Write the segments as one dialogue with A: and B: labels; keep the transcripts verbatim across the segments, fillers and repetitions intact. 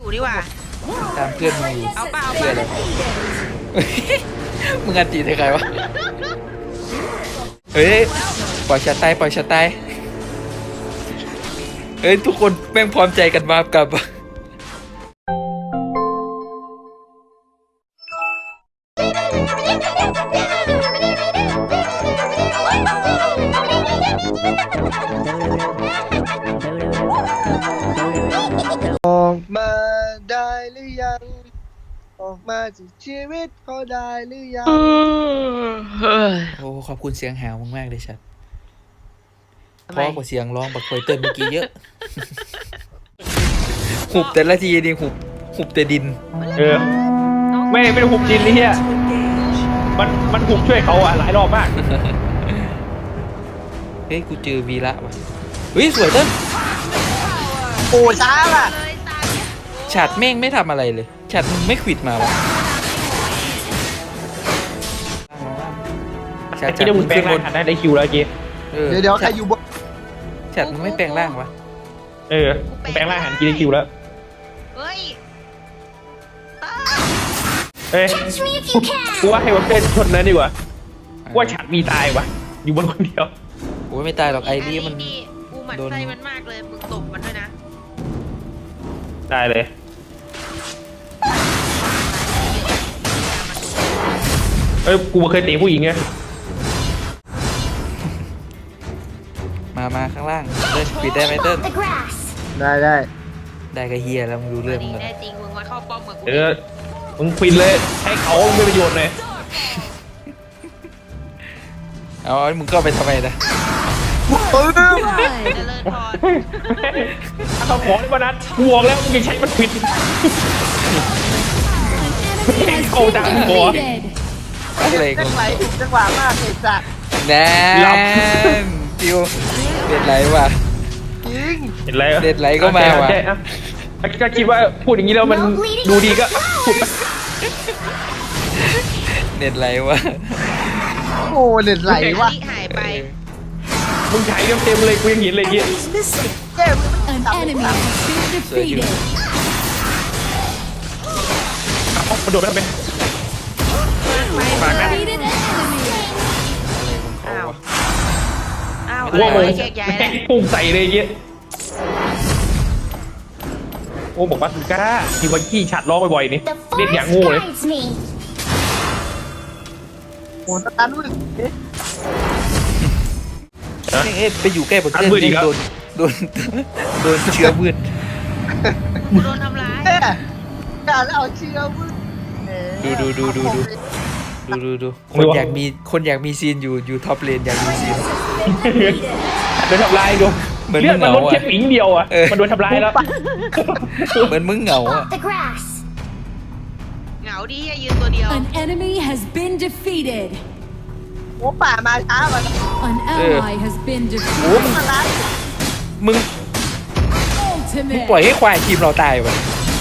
A: ดีกว่า
B: ตามเพื่อนมึง
A: เอาเปล่าเอา
B: เพื่อน
A: เป
B: อะไร
A: ล่า
B: มึงอันตีใครวะเฮ้ยปล่อยฉันตายปล่อยฉันตายเฮ้ยทุกคนแม่งพร้อมใจกันมากับ
C: ออกมาได้หรือยังออกมาจากชีวิตเขาได้หรือยัง
B: โอ้ขอบคุณเสียงหาวมากๆเลยชัดเพราะกว่าเสียงร้องบักเฟยเติ้ลเมื่อกี้เยอะหุบแต่ละทีนี่หุบหุบแต่ดิน
D: เออไม่ไม่ได้หุบดินนี่เฮียมันมันหุบช่วยเขาอ่ะหลายรอบมาก
B: เฮ้ยกูเจอวีระว่ะเฮ้ยสวยเติ้ล
C: โอ้ช้าล่ะ
B: ฉัดแม่งไม่ทำอะไรเลยฉัดมึงไม่ขวิดมาวะฉัด
D: ที่ได้มึงแปลงร่างหันได้ได้คิวแล้วเมื่อกี้
C: เดี๋ยวเดี๋ยวใครอยู่บน
B: ฉัดมึงไม่แปลงร่างวะ
D: เออแปลงร่างหันกินได้คิวแล้ว
A: เฮ้ย
D: เอ้ยกูว่าให้มันเป็นชนนั้นดีกว่าว่าฉัดมีตายวะอยู่บนคนเดียว
B: โอ้ยไม่ตายหรอกไอ้นี่มัน
A: กูหมั่นไส้มันมากเลยมึงตบมันด้วยนะ
D: ได้เลยเอ้ยกูเคยตีผู้หญิงไง
B: มามาข้างล่างเติ้ลปิดได้ไหมเติ้ล
C: ได้ได้
B: ได้ก็เฮียแล้วมึงรู้เรื่องมึง
A: แน่จริงมึงมาเข้าป้อมกับกู
D: เออมึงควินเลยให้เขาไม่ประโยชน์เลย
B: เอามึงก็ไปทำไมนะ
A: เจริญพร
D: ถ้าเขาขอในวันนั้นกูบอกแล้วมึงยังใช้มันผิดไม่เข้าดังหัว
B: อะไรกู
C: จังไหวจังหวะมากเลยจ้ะ
B: แน่จิวเด็ดไหลว่ะ
C: จริง
D: เห็นไร
B: เด็ดไหลก็มาว่ะ
D: ก็คิดว่าพูดอย่างนี้แล้วมันดูดีก็พูด
B: เด็ดไหลว่ะ
C: โอ้เด็ดไหลว่ะ
A: หายไป
D: มึงถ่ายเต็มๆเลยกูยังเห็นเลยยี่
C: เกมมันจับไม่ได้
B: สวยอยู่
D: เอากระโดดไปทำไมฝากนะ
A: อ้าวอ้าว
D: ว่ามึง
A: แยกย้าย
D: แม่งพุ่งใส่เลยยี่โอ้บอกว่าสุก้าที่วันขี้ฉัดล้อบ่อยๆนี่เล่นอย่างงูเลย
C: โอ้ตาลุย
B: เอ๊ะไปอยู่ใกล้บนเต้นโดนโดนโดนเชื้อมืด
A: โดนทำร้าย
C: การเอาเชื้อมืด
B: ดูดูดูดูดูดูดูดูคนอยากมีคนอยากมีซีนอยู่อยู่ท็อปเลนอยากมีซีน
D: โดนทำลายดูเลือดมันลดแค่ปิงเดียวอ่ะมันโดนทำลายแล้ว
B: เหมือนมึงเหงาอ่ะ
A: เหงาดิยืนตัวเดียว
E: An enemy has been defeated
C: โอ้ป่ามาช้าว่ะ
E: An ally has been
B: โอ้มึง
E: defeated
B: มึงมึงปล่อยให้ควายทีมเราตายวะ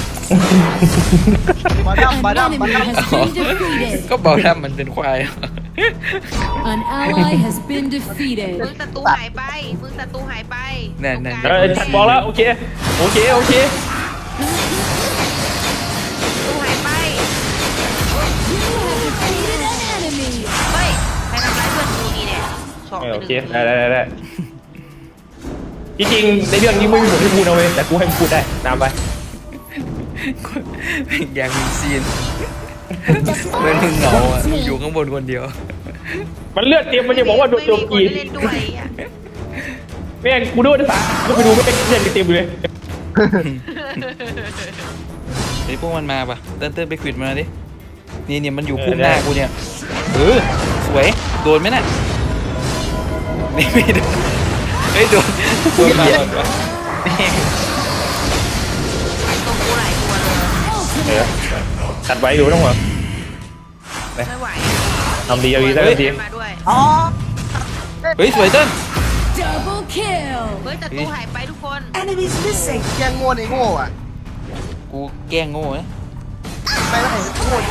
C: มาดั้มมาดั้มมาดั้ม
B: ก็บอกแล้วมันเป็นควาย
E: An ally has been defeated
A: มึงศัตรูหายไปมึงศัตรูหายไป
B: นั่นนั่น
D: เออฉันบอกแล้วโอเคโอเคโอเค
A: ศัตรูหายไป
E: You have defeated an enemy
A: เฮ้ยใครทำร้ายเพื่อนกูนี่เนี่ยช็อกไปห
D: โอ
A: นึ่ง
D: เคได้ได้ได้จริงๆในเรื่องนี้ไม่มีบทให้พูดนะเว้ยแต่กูให้มึงพูดได้ตามไป
B: อยากมีซีนเหมือนมึงเหงาอ่ะอยู่ข้างบนคนเดียว
D: มันเลือดเต็มมันจะบอกว่าโดนโจมตีแม่งกูดูนะสากูไปดูไม่เป็นเลือดเต็มเลย
B: ไอ้พวกมันมาปะเติ้ลเติ้ลไปขวิดมาดินี่เนี่ยมันอยู่พุ่มหน้ากูเนี่ยเออสวยโดนไหมน่ะไม่ไม่โดนไม่โดนโดนมาก่อนวะ
A: ตรงกูหลายตัวเลย
D: เออตัดไว้ดูต้องหัว
A: ไม่ไหว
D: ทำดีเอาดีได้ดี
A: มาด้วย
C: อ๋อ
B: เฮ้ยสวยเติ้ล
E: Double kill
A: เฮ้ยศัตรูหายไปทุกคน
C: Enemies missing แกงโง่ในโง่อ่ะ
B: กูแกล้งโง่นะ
C: ไปไหนโง่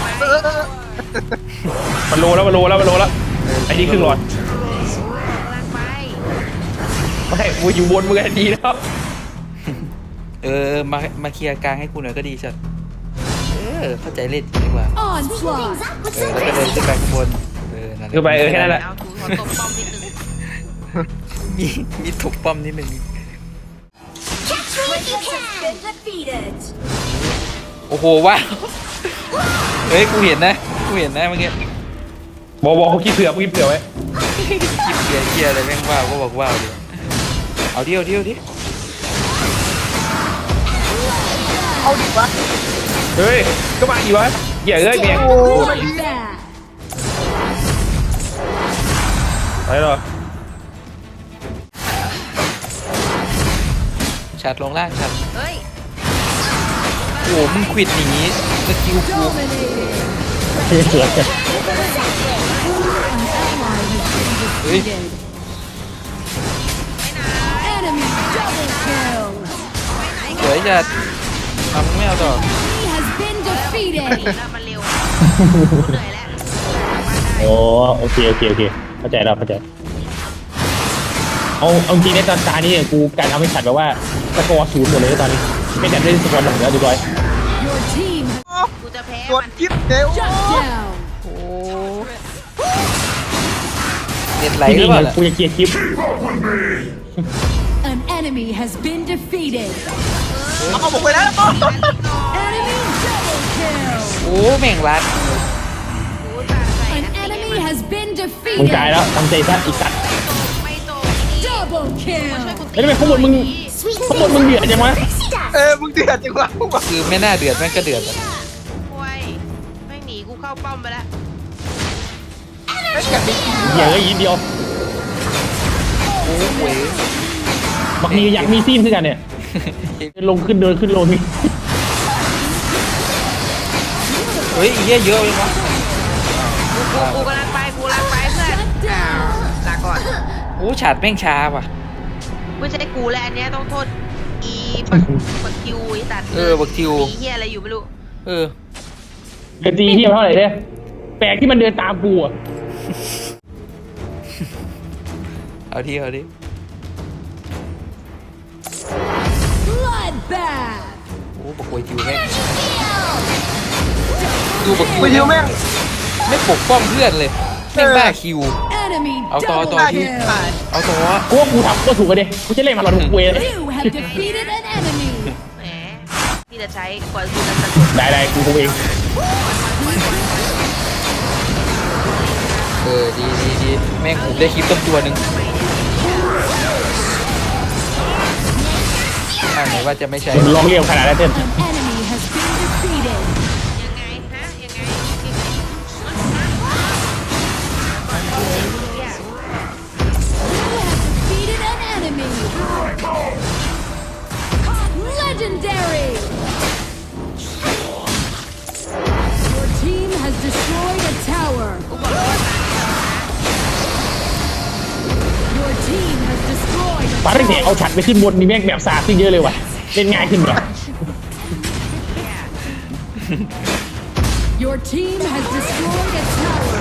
D: มันโลแล้วมันโลแล้วมันโลแล้วไอ้นี่ครึ่งหลอดไม่กูอยู่บนมือดีแล้ว
B: เเออมามาเคลียร์กลางให้กูหน่อยก็ดีสัตว์เออเข้าใจเล่นดีกว่า
E: Onslaught.
B: เออแล้วก็เดินขึ้นไปข้างบนเออนั่นแหละ
D: คือไปเออแค่นั้นแหละ
A: เอาถูขอตบป้อมนิดนึง
B: มีมีถกป้อมนิดนึง
E: Catch me if you can. Been defeated.
B: โอ้โหว้าวเฮ้ยกูเห็นนะกูเห็นนะเมื่อกี้
D: บอกบอกเขาคิดเผื่อเขาคิดเผื่อไว้
B: คลิปเกียร์เกียร์อะไรแม่งว้าวก็บอกว้าวดิเอาดิเอาดิเอาดิ
C: เอาดิวะ
D: เฮ้ยก็มาอีกวะเหี้ยเอ้ยเมียง
E: Bloodbath.
D: ไปหรอ
B: ชัดลงล่างชัด
A: เฮ้ย
B: โอ้โหมึงควิดหนีสกิลกู
E: Dominated.
B: เฮ้ย
E: Enemy double kill.
B: สวยจัดทำไม่เอาต่อ
E: He has been
A: หนี
E: defeated.
A: แล้วมันเร็วกูเหนื่อยแล้ว
F: โอ้โอเคโอเคโอเคเข้าใจแล้วเข้าใจเอาเอาจริงในตอนตานี้เนี่ยกูการเอาไม่ขัดแบบว่าสกอร์ศูนย์หมดเลยตอนนี้ไม่แต่ได้สกอร์หนึ่งแล้วดูด้วย
E: Your team
A: กูจะแพ้
C: โดน
A: มัน
C: คลิปเดี๋ยว
E: shut down.
B: โอ้เน็ตไหล
F: ที่
B: หรื
F: นี่
B: อเปล่าล่ะ
F: กูจะเคลียร์คลิป
E: An enemy has been defeated.
C: เอาผมไปแล้ว
E: Enemy double kill.
B: โอ้แม่งรัด
A: กูตัดใส่
E: An
A: อันตี
E: enemy has been
F: มึงตายแล้ว
E: defeated.
F: ตั้งใจซะอีกสัตว์
A: ไม่ตกนี่
E: Double
A: ช่วย
E: kill.
A: กู
F: แล้วทำไมข้างบนมึงข้างบนมึงเดือดจังวะ
C: เออมึงเดือดจังวะมึงบอก
B: คือไม่น่าเดือดแม่งก็เดือดอะ
A: ป่วยไม่หนีกูเข้าป้อมไปแล้ว
C: ไม่กัดดิ
F: เหี้ยอะยินเดียว
B: โอ้โห
F: บักมีอยากมีซีนขึ้นกันเนี่ยลงขึ้นเดินขึ้นลงนี่
B: เฮ้ยไอ้เหี้ยเยอะเลยวะ
A: กูกูกูกำลังไปกูกำลังไปเพื่อน
E: Shut
A: อ้าว
E: down.
A: ลาก่อน
B: โอ้ฉาดแม่งช้าว่ะ
A: ไม่ใช่กูแหละอันเนี้ยต้องโทษอีปักปักคิวไอ้ตัด
B: เออบักคิว
A: ตีเฮียอะไรอยู่ไม่รู้
B: เออ
F: เดินตีเทียบเท่าไหร่เนี่ยแปลกที่มันเดินตามกูอ่ะ
B: เอาทีเอาที
E: Bloodbath.
B: โอ้บักโวยคิวแม่งดูบักคิว
C: ไปยิวแม่ง
B: ไม่ปกป้องเพื่อนเลยแม่งบ้าคิว
E: Enemy
B: เอาต่อ
E: double
B: ต่อ
E: kill.
B: เอาตัว
F: กูว่ากูทำก็ถูกกันเด็กูจะเล่นมาหลอดทุกเวเลย
E: You have defeated an enemy.
A: แหมที่จะใช้ก่อนกูจะสะกด
F: ได้ได้กูคงเอง
B: เออดีดีดีแม่งผมได้คลิปตั้งตัวหนึ่งอ่าไหนว่าจะไม่ใช่
F: มึงลองเรียกขนาดนั้นเต้น
E: An enemy has been defeated.
A: ยังไงฮะยังไงยังไง
E: You have defeated an enemy. Legendary. Your team has destroyed a tower. Your team has destroyed a
F: ฟ้าเร่งเนี่ยเอาฉัดไปขึ้นบนนี่แม่งแบบสาดขึ้นเยอะเลยว่ะเล่นง่ายขึ้นเหรอ
E: Your team has destroyed a tower.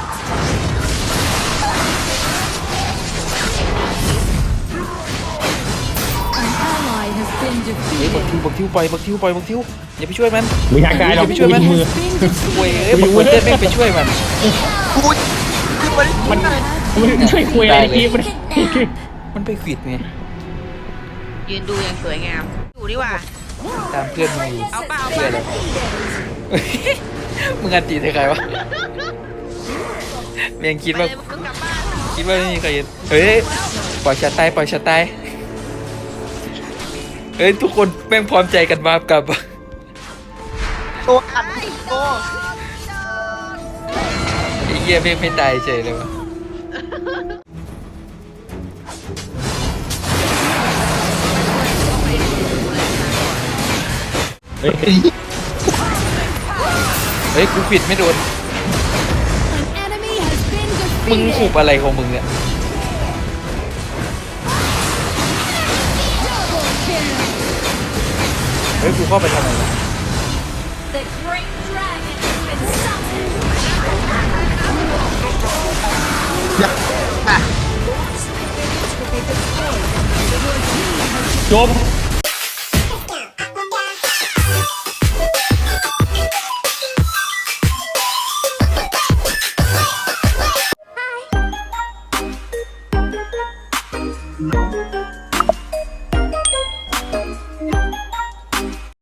E: An ally has been
B: เฮ้ยบัก
E: defeated.
B: ทิวบักทิวปล่อยบักทิวปล่อยบักทิวอย่าไปช่วยมัน
F: มีทางกายเรา
B: อย่าไปช่วยมัน
F: มือ
E: Has been
B: โวย
E: defeated.
B: เอ้ยบักโวยเต้นแม่งไปช่วยมัน
C: กูคือมัน
F: มันมันช่วยคุยอะไรทีมัน
B: มันไปขวิดไง
A: ยืนดูอย่างสวยงามอยู่ดีกว่า
B: ตามเพื่อนมึงอยู่
A: เอาเปล่า
B: เพื่อนอะไรมึงอันตีใส่ใครวะเมียงคิด
A: ไป
B: ว่า
A: เลยมึงกลับบ้าน
B: คิดว่าไม่มีใครเห็นเฮ้ยปล่อยชัดตายปล่อยชัดตายเฮ้ยทุกคนแม่งพร้อมใจกันมากับ
C: ตัวอัดตัว
B: ไอ้เหี้ยแม่งไม่ตายเฉยเลยวะ
F: เฮ้ย
B: เฮ้ยกูขวิดไม่โดน
E: An enemy has been
B: มึงหุบ
E: defeated.
B: อะไรของมึงเนี่ย
E: Double kill.
B: เฮ้ยกูเข้าไปทำไมวะ
E: The great dragon has been summoned.
C: อย่าอ่ะ
F: จบ